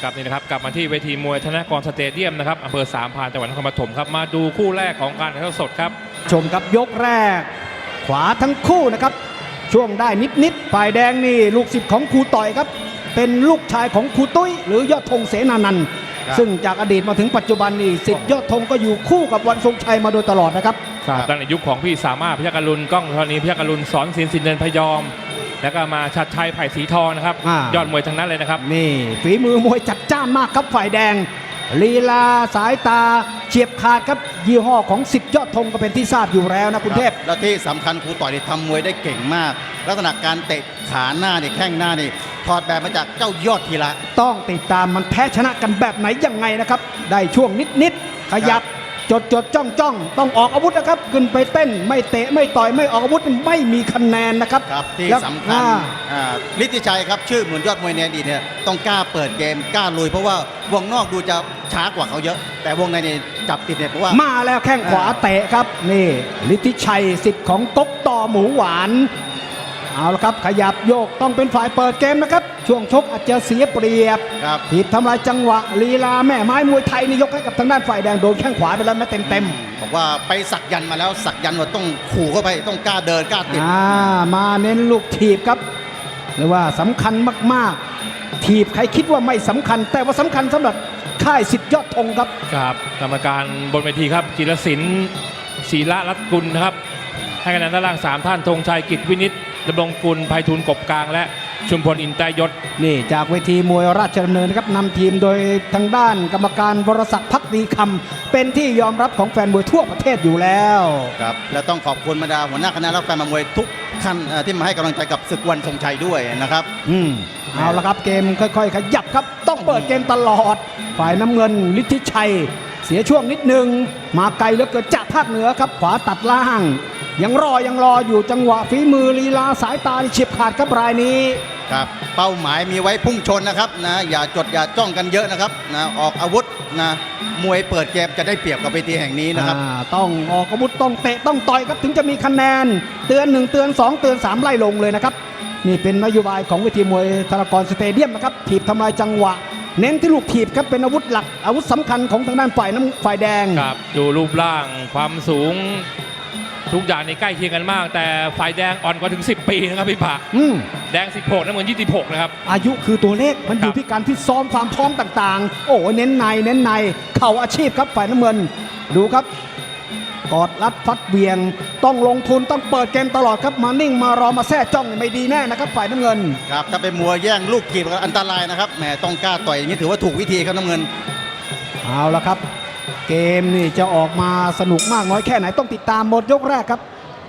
กับนี่นะครับกลับมาที่เวทีมวยธนกรสเตเดียมนะครับอำเภอสามพรานจังหวัดนครปฐมครับมาดูคู่แรกของการถ่ายทอดสดครับชมครับยกแรกขวาทั้งคู่นะครับช่วงได้นิดฝ่ายแดงนี่ลูกศิษย์ของครูต่อยครับเป็นลูกชายของครูตุ้ยหรือยอดธงเสนานันท์ซึ่งจากอดีตมาถึงปัจจุบันนี่ศิษย์ยอดธงก็อยู่คู่กับวันทรงชัยมาโดยตลอดนะครับตั้งแต่ยุคของพี่สามารถพยัคฆ์อรุณก้องธรณีพยัคฆ์อรุณสอนศิลป์สินเดินพยอมแล้วก็มาชัดชัยไผ่สีทองนะครับยอดมวยทั้งนั้นเลยนะครับนี่ฝีมือมวยจัดจ้านมากครับฝ่ายแดงลีลาสายตาเฉียบขาดครับยี่ห้อของศิษย์ยอดธงก็เป็นที่ทราบอยู่แล้วนะคุณเทพและที่สำคัญครูต่อยทำมวยได้เก่งมากลักษณะการเตะขาหน้าเนี่ยแข้งหน้านี่ถอดแบบมาจากเจ้ายอดทีละต้องติดตามมันแพ้ชนะกันแบบไหนยังไงนะครับได้ช่วงนิดขยับจดจ้องต้องออกอาวุธนะครับขึ้นไปเต้นไม่เตะไม่ต่อยไม่ออกอาวุธไม่มีคะแนนนะครับที่สำคัญฤทธิชัยครับชื่อเหมือนยอดมวยในอดีตเนี่ยต้องกล้าเปิดเกมกล้าลุยเพราะว่าวงนอกดูจะช้ากว่าเขาเยอะแต่วงในเนี่ยจับติดเนี่ยเพราะว่ามาแล้วแข้งขวาเตะครับนี่ฤทธิชัยสิทธิ์ของก๊กต่อหมูหวานเอาละครับขยับโยกต้องเป็นฝ่ายเปิดเกมนะครับช่วงชกอาจจะเสียเปรียบถีบทำลายจังหวะลีลาแม่ไม้มวยไทยนี่ยกให้กับทางด้านฝ่ายแดงโดนแข้งขวาไปแล้วแม้เต็มบอกว่าไปสักยันมาแล้วสักยันว่าต้องขู่เข้าไปต้องกล้าเดินกล้าติดมาเน้นลูกถีบครับเรียกว่าสำคัญมากๆถีบใครคิดว่าไม่สำคัญแต่ว่าสำคัญสำหรับค่ายศิษย์ยอดธงครับครับกรรมการบนเวทีครับจิรศิลป์ศรีละรัตน์กุลนะครับให้คะแนนด้านล่าง3ท่านธงชัยกิจวินิจดำรงกุลไพฑูรย์กบกลางและชุมพลอินทรยศนี่จากเวทีมวยราชดำเนินนะครับนำทีมโดยทางด้านกรรมการวรศักดิ์ภักดีคำเป็นที่ยอมรับของแฟนมวยทั่วประเทศอยู่แล้วครับและต้องขอบคุณบรรดาหัวหน้าคณะและแฟนมวยทุกท่านที่มาให้กำลังใจกับศึกวันทรงชัยด้วยนะครับเอาละครับเกมค่อยๆขยับครับต้องเปิดเกมตลอดฝ่ายน้ำเงินฤทธิชัยเสียช่วงนิดนึงมาไกลเหลือเกินจากภาคเหนือครับขวาตัดล่างยังรออยู่จังหวะฝีมือลีลาสายตาเฉียบขาดครับรายนี้ครับเป้าหมายมีไว้พุ่งชนนะครับนะอย่าจดอย่าจ้องกันเยอะนะครับนะออกอาวุธนะมวยเปิดเกมจะได้เปรียบกับเวทีแห่งนี้นะครับต้องออกอาวุธต้องเตะต้องต่อยครับถึงจะมีคะแนนเตือน1เตือน2เตือน3ไล่ลงเลยนะครับนี่เป็นนโยบายของเวทีมวยธนกรสเตเดียมนะครับถีบทำลายจังหวะเน้นที่ลูกถีบครับเป็นอาวุธหลักอาวุธสำคัญของทางด้านฝ่ายแดงครับดูรูปร่างความสูงทุกอย่างในใกล้เคียงกันมากแต่ฝ่ายแดงอ่อนกว่าถึง10 ปีนะครับพี่ปะแดง16น้ำเงิน26นะครับอายุคือตัวเลขมันอยู่ที่การที่ซ้อมความพร้อมต่างๆโอ้เน้นในเข่าอาชีพครับฝ่ายน้ำเงินดูครับกอดรัดฟัดเบียงต้องลงทุนต้องเปิดเกมตลอดครับมานิ่งมารอมาแท้จ้องไม่ดีแน่นะครับฝ่ายน้ำเงินครับถ้าเป็นมัวแย่งลูกถีบอันตรายนะครับแหมต้องกล้าต่อยอย่างนี้ถือว่าถูกวิธีครับน้ำเงินเอาละครับเกมนี่จะออกมาสนุกมากน้อยแค่ไหนต้องติดตามหมดยกแรกครับ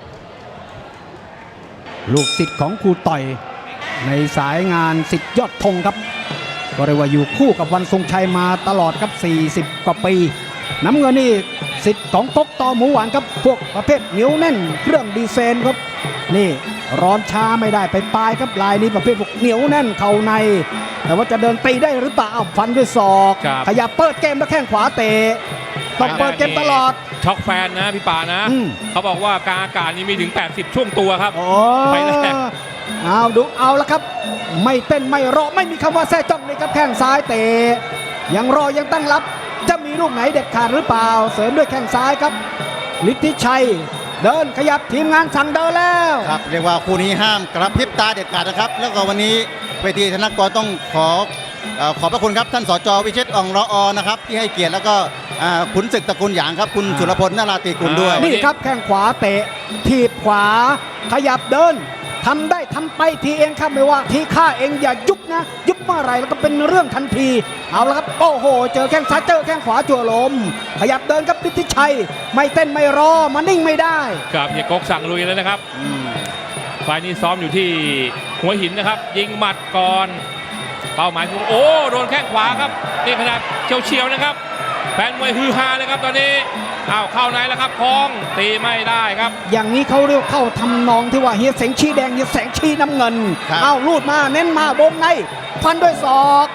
ลูกศิษย์ของครูต่อยในสายงานศิษย์ยอดธงครับก็เรียกว่าอยู่คู่กับวันทรงชัยมาตลอดครับ40กว่าปีน้ำเงินนี่ศิษย์ของก๊กต่อหมูหวานครับพวกประเภทเหนียวแน่นเครื่องดีเซนครับนี่ร้อนช้าไม่ได้ไปปลายครับลายนี้ประเภทพวกเหนียวแน่นเข่าในแต่ว่าจะเดินตีได้หรือเปล่าฟันด้วยศอกขยับเปิดเกมแล้วแข้งขวาเตะต้องเปิดเกมตลอดช็อกแฟนนะพี่ป่านะเขาบอกว่ากลางอากาศนี้มีถึง80ช่วงตัวครับไปแล้วเอาละครับไม่เต้นไม่รอไม่มีคำว่าแท้จ้องเลยครับแข้งซ้ายเตะยังรอยังตั้งรับจะมีลูกไหนเด็ดขาดหรือเปล่าเสริมด้วยแข้งซ้ายครับฤทธิชัยเดินขยับทีมงานสั่งเดินแล้วครับเรียกว่าคู่นี้ห้ามกระพริบตาเด็ดขาดนะครับแล้วก็วันนี้เวทีธนกรต้องขอบพระคุณครับท่านสจ.วิเชษฐ์อ่องรอนะครับที่ให้เกียรติแล้วก็ขุนศึกตระกูลหยางครับคุณสุรพลนาราติกุลด้วยนี่ครับแข้งขวาเตะถีบขวาขยับเดินทำได้ทำไปทีเองครับไม่ว่าทีข้าเองอย่ายุบนะยุบเมื่อไรแล้วก็เป็นเรื่องทันทีเอาละครับโอ้โหเจอแข้งซ้ายเจอแข้งขวาจั่วลมขยับเดินครับฤทธิชัยไม่เต้นไม่รอมานิ่งไม่ได้ครับเฮียก๊กสั่งลุยแล้วนะครับฝ่ายนี้ซ้อมอยู่ที่หัวหินนะครับยิงหมัดก่อนเป้าหมายคือโอ้โดนแข้งขวาครับนี่ขนาดเฉียวๆนะครับแฟนมวยฮือฮาเลยครับตอนนี้เข้าในแล้วครับคล้องตีไม่ได้ครับอย่างนี้เขาเรียกเข้าทำนองที่ว่าเฮียแสงชี้แดงเฮียแสงชี้น้ำเงินลูดมาเน้นมาวงในฟันด้วยศอก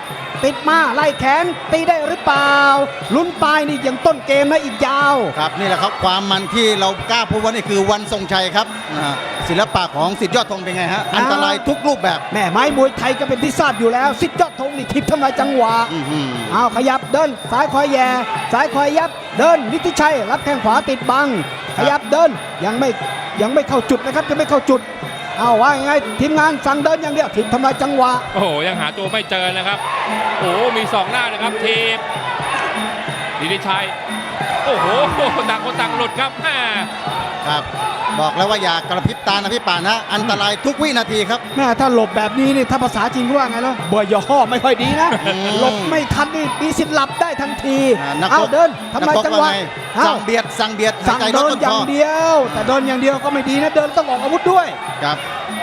ติดมาไล่แขนตีได้หรือเปล่าลุ้นปลายนี่ยังต้นเกมนะอีกยาวครับนี่แหละครับความมันที่เรากล้าพูดว่านี่คือวันทรงชัยครับศิลปะของสิทธิยอดธงเป็นไงฮะอันตรายทุกรูปแบบแม่ไม้มวยไทยก็เป็นที่ทราบอยู่แล้วสิทธิยอดธงนี่ทิพย์ทำลายจังหวะ เอาขยับเดินซ้ายคอยแย่ซ้ายคอยยับเดินนิติชัยรับแข้งขวาติดบังขยับเดินยังไม่เข้าจุดนะครับยังไม่เข้าจุดเอาว่ายังไงทีมงานสั่งเดินอย่างเดียวทิพย์ทำลายจังหวะโอ้โหยังหาตัวไม่เจอนะครับโอ้โหมีสองหน้านะครับทีมดิดิชัยโอ้โหต่างคนต่างหลุดครับแม่ครับบอกแล้วว่าอย่ากระพริบตานะพี่ป่านะอันตรายทุกวินาทีครับแม่ถ้าหลบแบบนี้นี่ถ้าภาษาจีนว่าไงแล้วเบอร์ย่อไม่ค่อยดีนะหลบไม่ทันนี่มีสิทธิ์หลับได้ทันทีนักเอารบเดินทำลายจังหวะนักรบว่าไงเอาสั่งเบียดสั่งเบียดสั่งหายใจเดิลนต้อย่างคเดียว แต่เดินอย่างเดียวก็ไม่ดีนะเดินต้องออกอาวุธด้วยครับ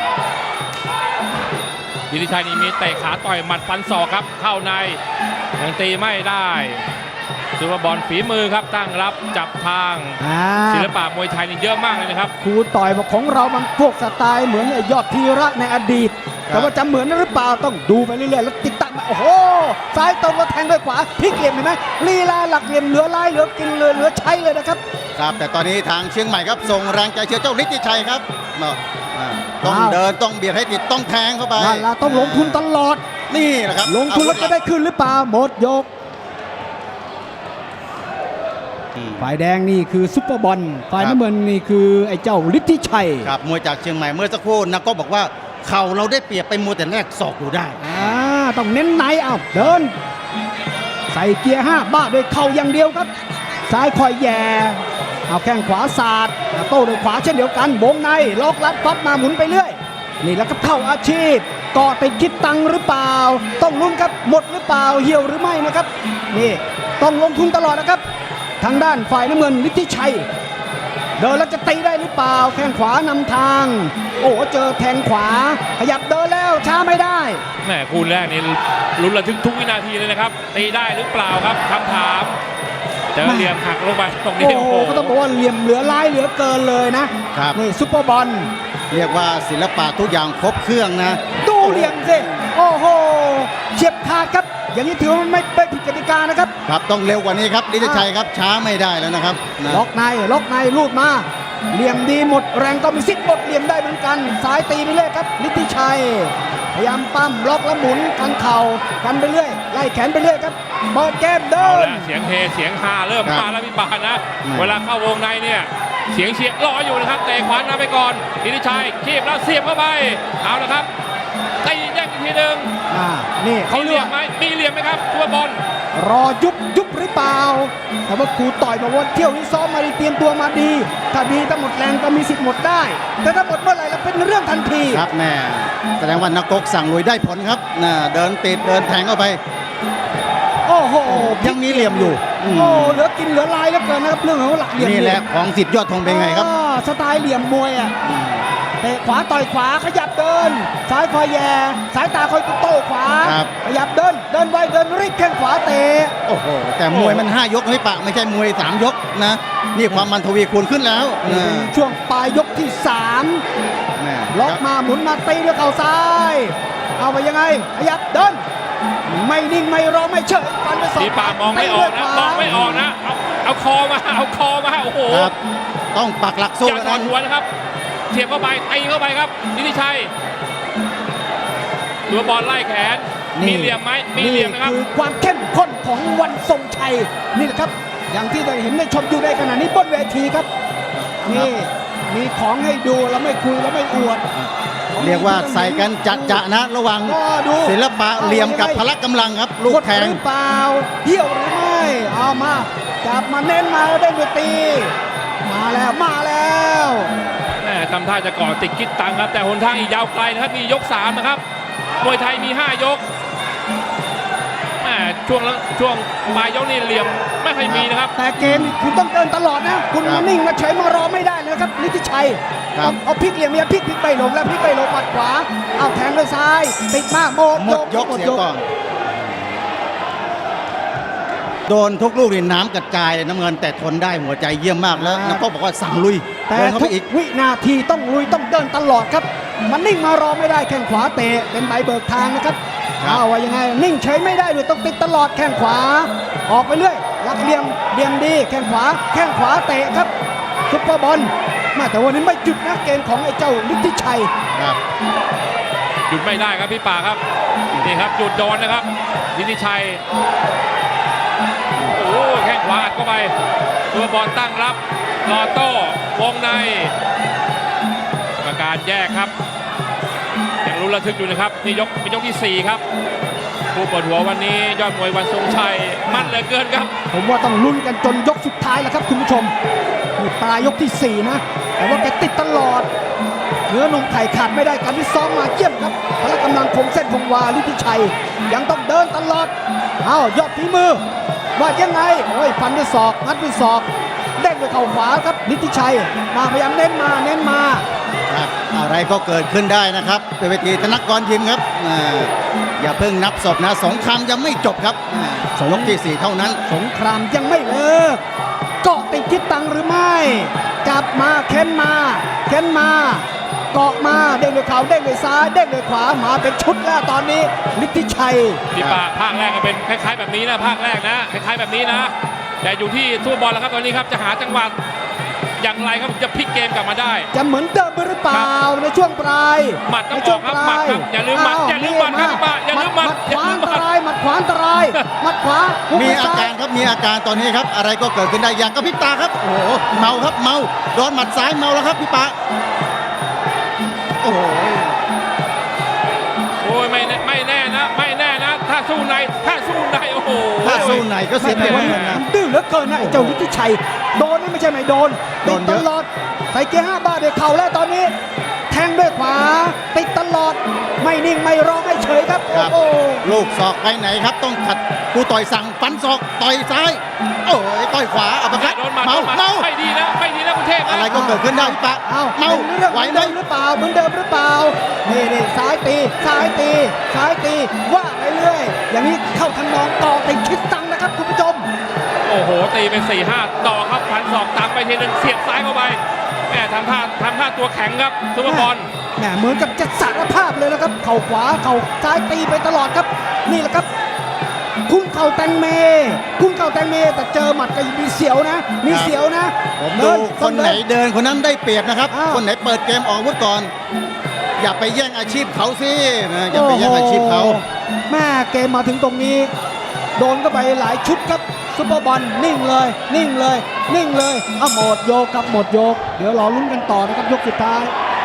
ดิดิชัยนี่มีเตะขาต่อยหมัดฟันศอกครับเข้าในยังตีไม่ได้ถือว่าบอลฝีมือครับตั้งรับจับทางศิลปะมวยไทยนี่เยอะมากเลยนะครับครูต่อยบอกของเรามันพวกสไตล์เหมือนไอ้ยอดธีระในอดีต แต่ว่าจะเหมือนหรือเปล่าต้องดูไปเรื่อยๆแล้วติดตามโอ้โหซ้ายตรงแล้วแทงด้วยขวาพลิกเหลี่ยมเห็นไหมลีลาหลักเหลี่ยมเหลือลายเหลือกินเหลือใช้เลยนะครับครับแต่ตอนนี้ทางเชียงใหม่ครับส่งแรงใจเชียร์เจ้าฤทธิชัยครับต้องอ้าวเดินต้องเบียดให้ติดต้องแทงเข้าไปนั่นละต้องลงทุนตลอดนี่แหละครับลงทุนแล้วจะได้ขึ้นหรือเปล่าหมดยกฝ่ายแดงนี่คือซุปเปอร์บอลฝ่ายน้ำเงินนี่คือไอ้เจ้าฤทธิชัยครับมวยจากเชียงใหม่เมื่อสักครู่นักก็บอกว่าเข่าเราได้เปรียบไปมัวแต่แรกศอกอยู่ได้ต้องเน้นในเอาเดิน ใส่เกียร์5บ้าด้วยเข่าอย่างเดียวครับ ซ้ายคอยแย่เอาแข้งขวาสาดโต้ด้วยขวาเช่นเดียวกันวงในล็อกลัดฟัดมาหมุนไปเรื่อยนี่แล้วก็เข้าอาชีพก่อติดคิดตังค์หรือเปล่า ต้องลุ้นครับหมดหรือเปล่าเหี่ยวหรือไม่นะครับนี่ต้องลงทุนตลอดนะครับทางด้านฝ่ายน้ำเงินฤทธิชัยเดินแล้วจะตีได้หรือเปล่าแข้งขวานำทาง โอ้เจอแทงขวาขยับเดินแล้วช้าไม่ได้แม่คู่แรกนี่ลุ้นระทึกทุกวินาทีเลยนะครับตีได้หรือเปล่าครับคำถามเจอเหลี่ยมหักลงไปตรงนี้โอ้โหก็ต้องบอกว่าเหลี่ยมเหลือลายเหลือเกินเลยนะครับ นี่ซุปเปอร์บอลเรียกว่าศิลปะทุกอย่างครบเครื่องนะดูเหลี่ยมสิโอ้โหเฉียบขาดครับ อย่างนี้ถือว่าไม่ผิดกติกานะครับครับต้องเร็วกว่านี้ครับฤทธิชัยครับช้าไม่ได้แล้วนะครับนะล็อกในลูดมาเหลี่ยมดีหมดแรงก็มีสิทธิ์หมดเหลี่ยมได้เหมือนกันสายตีไปเรื่อยครับฤทธิชัยพยายามปั้มล็อกแล้วหมุนกันเข่ากันไปเรื่อยไล่แขนไปเรื่อยครับเปิดเกมเดิเอานละเสียงเฮเสียงฮาเริ่มมาแล้วพี่ปานนะเวลาเข้าวงในเนี่ยเสียงเชียร์รออยู่นะครับเตะขวานำไปก่อนดิดิชัยคีบแล้วเสียบเข้าไปเอาละครับตีแยกอีกทีหนึ่งนี่เขามีเหเรีลี่ยยกมไหมมีเหลี่ยมไหมครับตัวบอลรอยุบหรือเปล่าแต่ว่าครูต่อยบอกว่าเที่ยวนี้ซ้อมมาดีเตรียมตัวมาดีถ้าดีถ้าหมดแรงก็มีสิทธิ์หมดได้ แต่ถ้าหมดเมื่อไหร่แล้วเป็นเรื่องทันทีครับแม่แสดงว่านักกกสั่งลุยได้ผลครับนะเดินติดเดินแทงเข้าไปโอ้โหยังมีเหลี่ยมอยู่โอ้เหลือกินเหลือลายแล้วเกินนะครับเรื่องของหลักเหลี่ยมนี่แหละของสิทธิยอดธงเป็นไงครับสไตล์เหลี่ยมมวยอ่ะเตะขวาต่อยขวาขยับเดินซ้ายคอยแย่สายตาคอยโต้ขวาครับขยับเดินไวเดินรีบแข้งขวาเตะโอ้โหแต่มวยมัน5ยกไม่ปะไม่ใช่มวย3ยกนะนี่ความมันทวีคูณขึ้นแล้วนี่เป็นช่วงปลายยกที่3 แม่ล็อกมาหมุนมาตีด้วยเข่าซ้าย เอาไปยังไงขยับเดินไม่นิ่งไม่รอไม่เฉยฟันไปสองพี่ปานมองไม่ออกนะมองไม่ออกนะเอาคอมาโอ้โหครับต้องปักหลักสู้อย่าแล้วถอดนะหัวนะครับเสียบเข้าไปตีเข้าไปครับดิดิชัยตัวบอลไล่แขนมีเหลี่ยมไหมมีเหลี่ยมนะครับคือความเข้มข้นของวันทรงชัยนี่แหละครับ อย่างที่ได้เห็นได้ชมอยู่ในขณะนี้บนเวทีครับนี่มีของให้ดูแล้วไม่คุยแล้วไม่อวดเรียกว่าใส่กันจัดจะนะระหวังก็ดูศิลปะเหลี่ยมกับพละกำลังครับ ลูกแทงหรือเปล่าเหี่ยวหรือไม่เอามาจับมาเน้นมาได้ด้วยตีมาแล้วแม่ทำท่าจะก่อติดคิดตังครับแต่หนทางอีกยาวไกลนะครับมียก3นะครับมวยไทยมี5ยกช่วงปลายยกนี่เหลี่ยมไม่ค่อยมีนะครับแต่เกมนี่คุณต้องเดินตลอดนะคุณมานิ่งมาเฉยมารอไม่ได้เลยนะครับฤทธิชัยครับเอาพลิกเหลี่ยมเนี่ยพลิกไปลงแล้วพลิกไปลงหมัดขวาเอาแทงด้วยซ้ายติดมากหมดหมดยกเสียก่อนโดนทุกลูกนี่น้ำกระจายเลยน้ำเงินแต่ทนได้หัวใจเยี่ยมมากแล้วนักก็บอกว่าสั่งลุยแต่เดินเข้าทุไปกอีกวินาทีต้องลุยต้องเดินตลอดครับมันนิ่งมารอไม่ได้แข้งขวาเตะเป็นใบเบิกทางนะครับครับเอาว่ายังไงนิ่งเฉยไม่ได้ด้วยต้องติดตลอดแข้งขวา ออกไปเรื่อยลักเหลี่ยมดีแข้งขวาเตะครับซุปเปอร์บอลมาแต่วันนี้ไม่หยุดนะเกมของไอ้เจ้าฤทธิชัยครับหยุดไม่ได้ครับพี่ป่าครับนี่ครับหยุดโดนนะครับนิติชัยโอ้แข้งขวาอัดเข้าไปตัวบอลตั้งรับรอโต้วงในกรรมการแยกครับยังรู้ระทึกอยู่นะครับนี่เป็นยกที่ 4 ครับผู้เปิดหัววันนี้ยอดมวยวันทรงชัยมั่นเหลือเกินครับผมว่าต้องลุ้นกันจนยกสุดท้ายแล้วครับคุณผู้ชมนี่ปลายยกที่ 4 นะ แต่ว่าแกติดตลอดเนื้อนมไข่ขาดไม่ได้การที่ซ้อมมาเยี่ยมครับพละกำลังคงเส้นคงวาฤทธิชัยยังต้องเดินตลอดอ้าวยอดฝีมือว่ายังไงโอ้ยฟันด้วยศอกงัดด้วยศอกเด้งด้วยเข่าขวาครับฤทธิชัยมาพยายามเน้นมาครับอะไรก็เกิดขึ้นได้นะครับเป็นเวทีธนกรยิมครับอย่าเพิ่งนับศพนะสงครามยังไม่จบครับยกที่ 4 เท่านั้นสงครามยังไม่เลิกเกาะติดทิศตังหรือไม่จับมาเค้นมาเกาะมาเด้งด้วยเข่าเด้งด้วยซ้ายเด้งด้วยขวามาเป็นชุดแล้วตอนนี้ฤทธิชัยพี่ป่าภาคแรกก็เป็นคล้ายๆแบบนี้นะภาคแรกนะคล้ายๆแบบนี้นะแต่อยู่ที่สู้บอลแล้วครับตอนนี้ครับจะหาจังหวะอย่างไรครับจะพลิกเกมกลับมาได้จะเหมือนเดิมหรือเปล่าในช่วงปลายหมัดต้องออกครับหมัดครับอย่าลืมหมัดอย่าลืมหมัดครับพี่ป่าอย่าลืมหมัดขวาอันตรายหมัดขวาอันตรายหมัดขวาหุบมีด้วยอาซ้การครับมีอาการตอนนี้ครับอะไรก็เกิดขึ้นได้อย่างกระพริบตาครับโอ้โหเมาครับเมาโดนหมัดซ้ายเมาแล้วครับพี่ปะโอ้โหโอ้ยไม่แน่นะไม่แน่นะถ้าสู้ในโอ้โหถ้าสู้ไหนก็เสียเปรียบเหมือนกันนะดื้อเหลือเกินนะไอ้เจ้าฤทธิชัยโดนนี่ไม่ใช่ไม่โดนโดติดนตเยอะลอดใส่เกียร์5 บาทเดี๋ยวเข่าแล้วตอนนี้ แทงด้วยขวาติดตลอดไม่นิ่งไม่รอไม่เฉยครับครับโอ้โหลูกศอกไปไหนครับต้องขัดกูต่อยสั่งฟันศอกต่อยซ้ายโอ้ยต่อยขวาเอาไปครับโดนหมัดเมาโดนหมัดเมาไม่ดีนะคุณเทพนะอะไรก็เกิดขึ้นได้พี่ปะเอ้าเมาเป็นเรื่องไหวเหมือนไหมเดิมหรือเปล่าเหมือนเดิมหรือเปล่านี่ซ้ายตีว่าไปเรื่อยอย่างนี้เข้าทำนองต่อติดคิดตังนะครับคุณผู้ชมโอ้โหตีเป็น 4-5 ต่อครับพันศอกตามไปทีนึงเสียบซ้ายเข้าไปแหมทำท่าตัวแข็งครับซุปเปอร์บอลแหมเหมือนกับจะสารภาพเลยนะครับเข่าขวาเข่าซ้ายตีไปตลอดครับนี่แหละครับคุ้มเข่าแตงเมแต่เจอหมัดก็มีเสียวนะมีเสียวนะผมดูคนไหนเดินคนนั้นได้เปรียบนะครับอ้าวคนไหนเปิดเกมออกอาวุธก่อน อย่าไปแย่งอาชีพเขาสินะอย่าไปแย่งอาชีพเขาโอ้โหแม่เกมมาถึงตรงนี้ โดนก็ไปหลายชุดครับซุปเปอร์บอลนิ่งเลยเอาหมดโยกครับหมดโยกเดี๋ยวรอลุ้นกันต่อนะครับยกสุดท้าย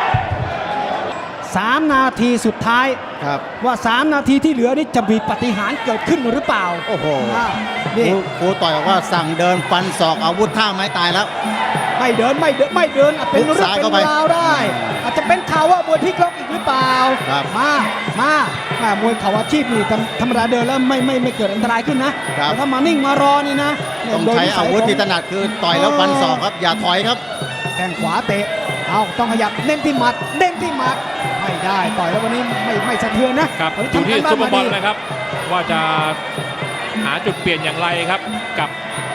3 นาทีสุดท้ายครับว่า 3 นาทีที่เหลือนี่จะมีปาฏิหาริย์เกิดขึ้นหรือเปล่าโอ้โหนี่ครูต่อยบอกว่าสั่งเดินฟันศอกอาวุธท่าไม้ตายแล้วไม่เดินอาจเป็นเรื่องซ้ายเป็เข้าน ไปราวได้ อาจจะเป็นข่าวว่ามวยพลิกล็อกอีกหรือเปล่าครับมามวยเข่าอาชีพนี่ธรรมดาเดินแล้วไม่เกิดอันตรายขึ้นนะครับ แต่ถ้ามานิ่งมารอนี่นะเนี่ยต้องโดยใช้นิสัอาย วุธของที่ถนัดคือต่อยแล้วฟันศอกครับ อย่าถอยครับแข้งขวาเตะเอาต้องขยับเน้นที่หมัดเด้งที่หมัดไม่ได้ต่อยแล้ววันนี้ไม่สะเทือนนะครับ วันอยู่นี้ที่ทำการซุปเปอร์บอลมาดีนะครับ ว่าจะหาจุดเปลี่ยนอย่างไรครับกับ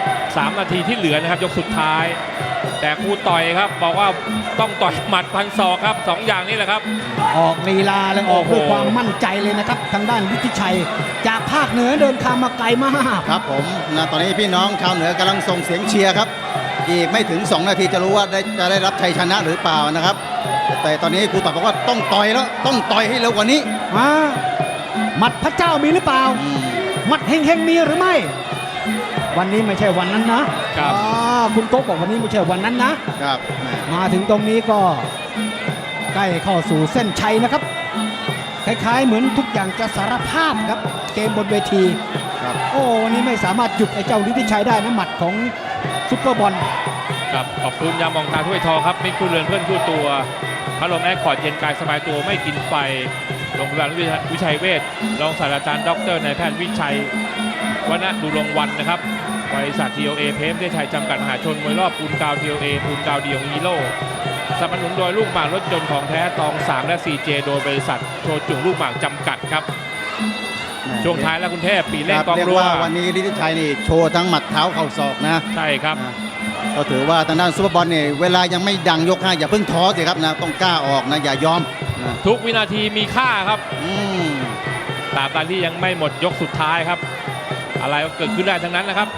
3 นาทีที่เหลือนะครับยกสุดท้าย แต่ครูต่อยครับบอกว่าต้องต่อยหมัดพันศอกครับ2อย่างนี้แหละครับออกลีลาเลยออกโอ้โหด้วยความมั่นใจเลยนะครับทางด้านฤทธิชัย จากภาคเหนือเดินทางมาไกลมากครับผมนะตอนนี้พี่น้องชาวเหนือกำลังส่งเสียงเชียร์ครับ อีกไม่ถึง 2 นาทีจะรู้ว่าจะได้รับชัยชนะหรือเปล่านะครับ แต่ตอนนี้ครูต่อยบอกว่าต้องต่อยแล้วต้องต่อยให้เร็วกว่านี้มาหมัดพระเจ้ามีหรือเปล่าอืมหมัดเฮงมีหรือไม่ วันนี้ไม่ใช่วันนั้นนะครับ คุณโก๊กบอกวันนี้ไม่ใช่วันนั้นนะครับแหม่มาถึงตรงนี้ก็ใกล้เข้าสู่เส้นชัยนะครับ คล้ายๆเหมือนทุกอย่างจะสารภาพครับ เกมบนเวทีครับโอ้วันนี้ไม่สามารถหยุดไอ้เจ้าฤทธิชัยได้นะหมัดของซุปเปอร์บอลครับขอบคุณยามองตาถ้วยทองครับมิตรคู่เรือนเพื่อนคู่ตัวพัดลมแอร์คอร์ดเย็นกายสบายตัวไม่กินไฟโรงพยาบาลวิชัยเวชรองศาสตราจารย์ดรนายแพทย์วิชัยวณดุรงค์วันนะครับบริษัท TOA เพมได้ชัยจำกัดมหาชนมวยรอบปูนกาว TOA ปูนกาวเดียวฮีโร่สนับสนุนโดยลูกหมากรถยนต์ของแท้ตอง 3 และ 4J โดยบริษัทโชจุงลูกหมากจำกัดครับ ช่วงท้ายแล้วคุณเทพปีเล่นครับกองเรียกรัวว่าวันนี้ฤทธิชัยนี่โชว์ทั้งหมัดเท้าเข่าศอกนะใช่ครับนะก็ถือว่าทางด้านซุปเปอร์บอลเนี่ยเวลายังไม่ดังยก5อย่าเพิ่งท้อสิครับนะต้องกล้าออกนะอย่ายอมนะทุกวินาทีมีค่าครับอืมตราบใดที่ยังไม่หมดยกสุดท้ายครับ อะไรก็เกิดขึ้นได้ทั้งนั้นนะครับ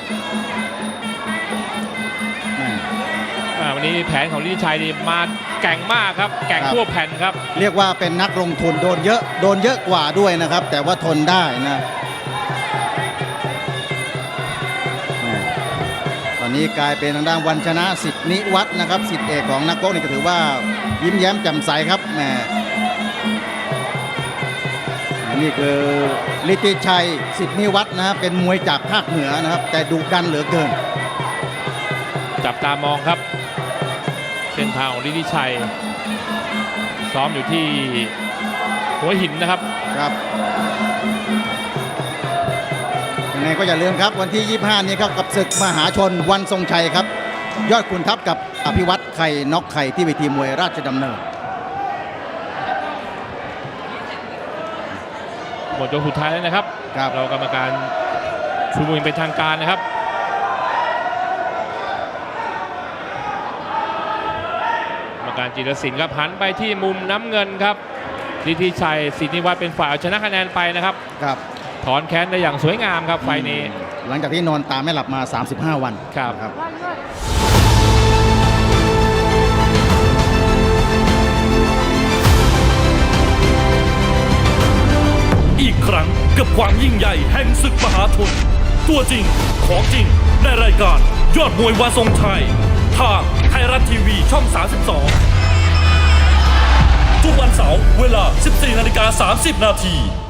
วันนี้แผนของลิธิชัยนี่มาแกร่งมากครับแกร่งทั่วแผ่นครับเรียกว่าเป็นนักลงทุนโดนเยอะกว่าด้วยนะครับ แต่ว่าทนได้นะตอนนี้กลายเป็นทางด้านวันชนะสิทธินิวัฒน์นะครับสิทธิเอกของนักโก๊กนี่ก็ถือว่ายิ้มแย้มแจ่มใสครับแหมนี่คือลิธิชัยสิทธินิวัฒน์นะครับเป็นมวยจากภาคเหนือนะครับแต่ดุดันเหลือเกินจับตามองครับเส้นทางของลิธิชัยซ้อมอยู่ที่หัวหินนะครับครับยังไงก็อย่าลืมครับวันที่ 25 นี้ครับกับศึกมหาชนวันทรงชัยครับ ยอดขุนทัพกับอภิวัตไข่น็อกไข่ที่เวทีมวยราชดำเนินหมดยกสุดท้ายแล้วนะครับครับเรากรรมการชูมือเป็นทางการนะครับกรรมการจิรศิลป์ครับหันไปที่มุมน้ำเงินครับลิธิชัยสิทธินิวัฒน์เป็นฝ่ายเอาชนะคะแนนไปนะครับครับถอนแค้นได้อย่างสวยงามครับไฟล์นี้หลังจากที่นอนตาไม่หลับมา 35 วันครับครับอีกครั้งกับความยิ่งใหญ่แห่งศึกมหาชนตัวจริงของจริงในรายการยอดมวยวันทรงชัยทางไทยรัฐทีวีช่อง 32 ทุกวันเสาร์เวลา 14:30 นาที